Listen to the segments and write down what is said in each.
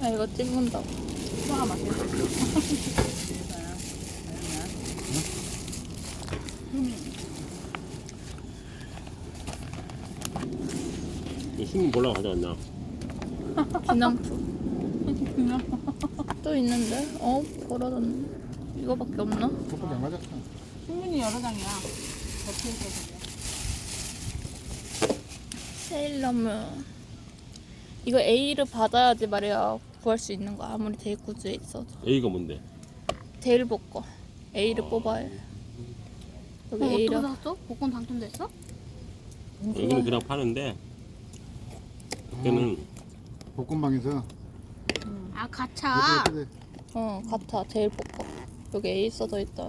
아, 이거 찍는다고. 소화가 맛있어. 신문 몰라 가져왔나? 기념품. 또 있는데? 벌어졌네. 이거밖에 없나? 그것밖에 안 맞았어. 충분히 여러 장이야. 덮여 있어서. 세일러문. 이거 A를 받아야지 말이야 구할 수 있는 거. 아무리 대구주에 있어도. A가 뭔데? 제일 복거. A를 뽑아야 해. 여기 어떻게 A를. 샀어? 복권 당첨됐어? 여기는 그냥 파는데 그때는 볶음방에서 아 가차. 같아. 제일 복거. 여기 A 써져 있잖아.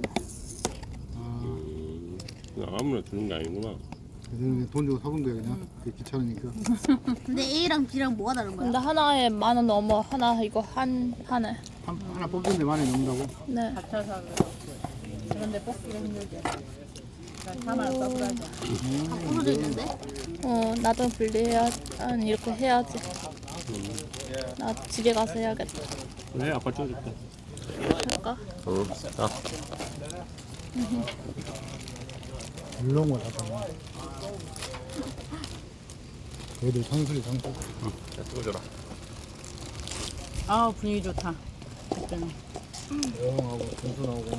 그냥 아무나 주는 게 아니구나. 그냥 돈 주고 사본 거야 그냥. 그게 귀찮으니까. 근데 A랑 B랑 뭐가 다른 거야? 근데 하나에 10,000원 넘어. 하나 이거 하나. 하나 뽑는데 많이 넘는다고? 네. 갇혀서 그런데 뽑기가 힘들지. 4만 원 써버려야죠. 다 부러져 있는데? 나도 분리해야 아니 이렇게 해야지. 나 집에 가서 해야겠다. 그래 아빠 찍어줄게. 할까? 자. 이런 거 다. 애들 상술이 상술. 자 찍어줘라. 아 분위기 좋다. 그때는. 조용하고 단순하고.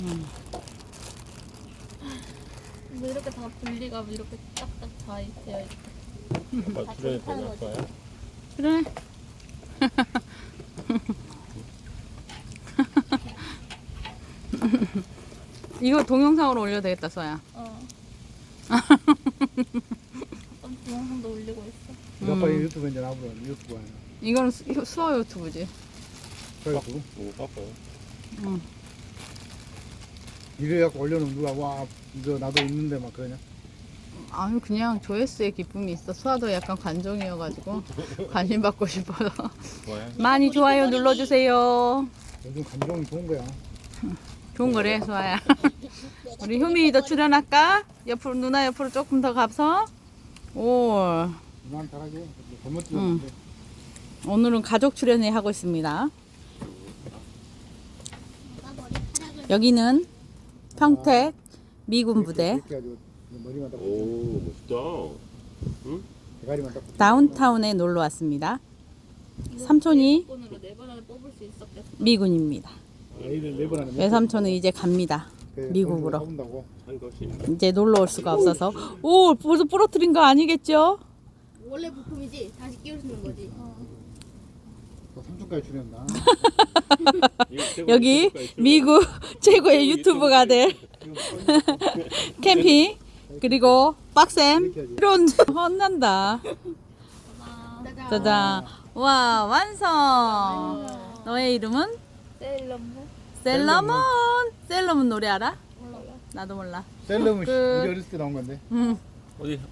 뭐 이렇게 다 분리가 이렇게 딱딱 다 되어 있어. 아빠 출연이 되냐 아빠야? 그래. 이거 동영상으로 올려도 되겠다, 써야. 어떤 동영상도 올리고 있어. 우리 아빠 유튜브 이제 나보고 유튜브 아니야. 이거는 수어 유튜브지. 그래가지고 너무 바빠요. 응. 이래갖고 올려놓으면 누가 와 이거 나도 있는데 막 그러냐? 아유 그냥 조회수의 기쁨이 있어. 수아도 약간 관종이어가지고 관심 받고 싶어서 좋아요. 많이 좋아요 눌러주세요. 요즘 감정이 좋은 거야. 좋은 거래 수아야. 우리 효민이도 출연할까? 옆으로 누나 옆으로 조금 더 가서. 오 누나는 잘하게. 잘못 응. 찍었는데. 오늘은 가족 출연을 하고 있습니다. 여기는 평택 미군 부대 이렇게 해가지고 머리만 딱 오 멋있다. 응? 대가리만 딱. 다운타운에 놀러 왔습니다. 삼촌이 번으로 4번 안에 뽑을 수 있었겠어. 미군입니다. 애들 네번 안에 외삼촌은 이제 갑니다. 미국으로. 사본다고. 한 것이. 이제 놀러 올 수가 없어서. 오 벌써 부러뜨린 거 아니겠죠? 원래 부품이지? 다시 끼울 수 있는 거지? 또 삼촌까지 줄였나? 여기 미국 최고의 유튜버가 될 캠핑 그리고 빡셈 이런 혼난다. 짜잔. 와 완성. 너의 이름은? 세일러문? 셀러문. 셀러문 노래 알아? 나도 몰라. 셀럽은 끝. 우리 어렸을 때 나온 건데. 응. 어디